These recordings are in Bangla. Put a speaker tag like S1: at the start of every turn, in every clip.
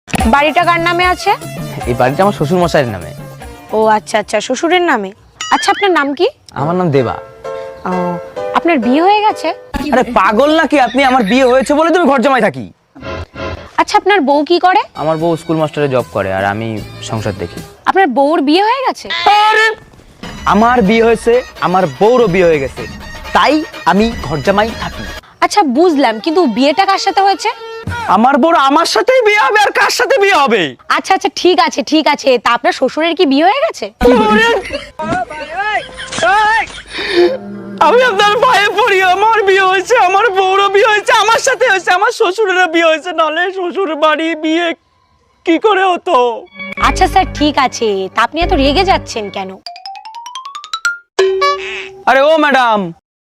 S1: বাড়িটা কার নামে আছে?
S2: এই বাড়িটা আমার শ্বশুর মশাইয়ের নামে।
S1: ও আচ্ছা আচ্ছা, শ্বশুরের নামে। আচ্ছা, আপনার নাম কি?
S2: আমার নাম দেবা।
S1: ও, আপনার বিয়ে হয়ে গেছে?
S2: আরে পাগল নাকি আপনি? আমার বিয়ে হয়েছে বলে তুমি ঘর জামাই থাকি।
S1: আচ্ছা, আপনার বউ কি করে?
S2: আমার বউ স্কুল মাস্টারে জব করে আর আমি সংসার দেখি।
S1: আপনার বউর বিয়ে হয়ে গেছে?
S2: আমার বিয়ে হয়েছে, আমার বউরও বিয়ে হয়ে গেছে, তাই আমি ঘর জামাই থাকি।
S1: আচ্ছা বুঝলাম, কিন্তু বিয়েটা কার সাথে হয়েছে?
S2: আমার বউর আমার সাথেই বিয়ে হবে, আর কার সাথে বিয়ে হবে?
S1: আচ্ছা আচ্ছা, ঠিক আছে ঠিক আছে। তা আপনার শ্বশুরের কি বিয়ে হয়ে গেছে?
S2: আমি আপনার ভয়ে পড়ি। আমার বিয়ে হয়েছে, আমার বউরও বিয়ে হয়েছে, আমার সাথে হয়েছে, আমার শ্বশুরেরও বিয়ে হয়েছে, নালে শ্বশুর বাড়ি বিয়ে কি করে হতো?
S1: আচ্ছা স্যার, ঠিক আছে। তা আপনি এত রেগে যাচ্ছেন কেন?
S2: আরে ও ম্যাডাম,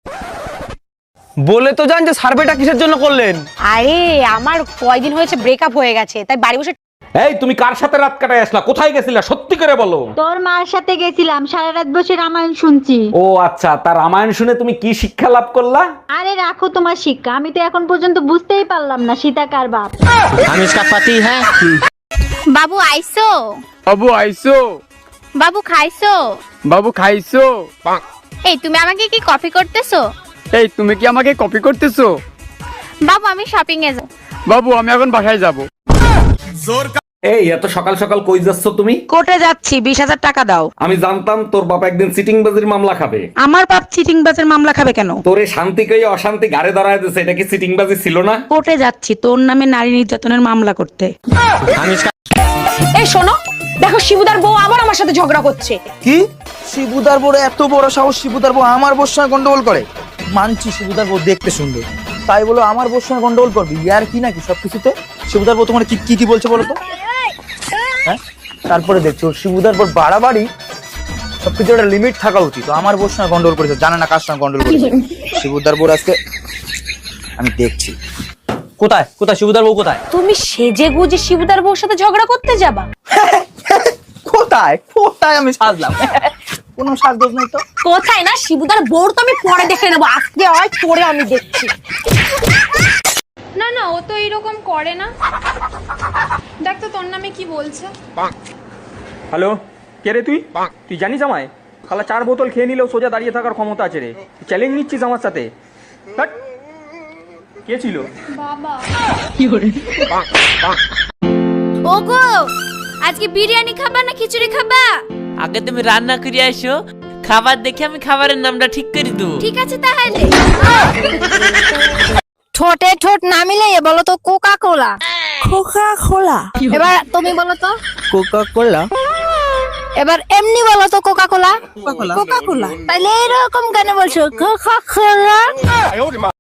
S2: বলে তো যান যে সার্ভেটা কিসের জন্য করলেন?
S1: আরে আমার কয়দিন হয়েছে ব্রেকআপ হয়ে গেছে, তাই বাড়ি বসে।
S3: এই তুমি কার সাথে রাত কাটায় আসলা? কোথায় গেছিলা? সত্যি করে বলো।
S4: তোর মার সাথে গেছিলাম, সারা রাত বসে রামায়ণ শুনছি।
S3: ও আচ্ছা, তার রামায়ণ শুনে তুমি কি শিক্ষা লাভ করলা?
S4: আরে রাখো তোমার শিক্ষা, আমি তো এখন পর্যন্ত বুঝতেই পারলাম না সীতা কার বাপ।
S2: আমি इसका पति है।
S5: বাবু আইসো?
S6: বাবু আইসো?
S5: বাবু খাইছো?
S6: বাবু খাইছো?
S5: এই তুমি আমাকে কি কপি করতেছো?
S6: এই তুমি কি আমাকে কপি করতেছো?
S5: বাবু আমি শপিং এ যাব।
S6: বাবু আমি এখন বাসায় যাব।
S3: এই এত সকাল সকাল কই যাচ্ছ তুমি?
S7: কোর্টে যাচ্ছি, 20,000 টাকা দাও।
S3: আমি জানতাম তোর বাবা একদিন সিটিং বাজির মামলা খাবে।
S7: আমার বাপ চিটিং বাজের মামলা খাবে কেন?
S3: তোরে শান্তি কই অশান্তি ঘাড়ে ধরায় দিছে, এটা কি সিটিং বাজি ছিল না?
S7: কোর্টে যাচ্ছি তোর নামে নারী নির্যাতনের মামলা করতে।
S1: এই শোনো, দেখো শিবুদার বউ আবার আমার সাথে ঝগড়া করছে।
S8: কি? শিবুদার বড় এত বড় সাহস, শিবুদার বউ আমার বউর সঙ্গে গন্ডগোল করে? মানছি শিবুদার বউ দেখতে সুন্দর, তাই বলো আমার বউর সঙ্গে গন্ডগোল করবি? ইয়ার কি নাকি সবকিছুতে? শিবুদার বউ তোমার কি কি কি বলছে বলো তো? হ্যাঁ, তারপরে দেখছো শিবুদার বউ বাড়াবাড়ি। সবকিছু একটা লিমিট থাকা উচিত। আমার বউর সঙ্গে গন্ডগোল করেছে, জানে না কার সঙ্গে গন্ডগোল করেছে। শিবুদার বউ আজকে আমি দেখছি।
S2: কোথায় কোথায় শিবুদার বউ কোথায়?
S1: তুমি সেজে গুজে শিবুদার বউর সাথে ঝগড়া করতে যাবা?
S8: কোথায় কোথায় আমি সাজলাম? কোনো সাজগোজ নেই তো।
S1: কোথায় না, শিবুদার বউর তো আমি পরে দেখে নেবো, আজকে হয় পরে আমি দেখছি।
S9: না না, ও তো এইরকম করে না। দেখ তো তোর নামে কি বলছে।
S10: হ্যালো, কে রে তুই? তুই জানিস আমায়? খালা 4 বোতল খেয়ে নিলেও সোজা দাঁড়িয়ে থাকার ক্ষমতা আছে রে। চ্যালেঞ্জ নিচ্ছিস আমার সাথে? হাট। কে ছিল?
S9: বাবা।
S5: ওগো, আজকে বিরিয়ানি খাবা না খিচুড়ি খাবা?
S11: আগে তুমি রান্না করে আসো, খাবার দেখে আমি খাবারের নামটা ঠিক করে দেবো।
S5: ঠিক আছে তাহলে। ঠোঁটে ঠোঁট না মিলিয়ে বলো তো কোকা কোলা।
S7: Coca Cola?
S5: এবার তুমি বলো তো।
S8: Coca Cola?
S5: এবার এমনি বলো তো কোকা কোলা।
S7: কোকা কোলা?
S5: তাহলে এরকম কেন বলছো কোকা কোলা?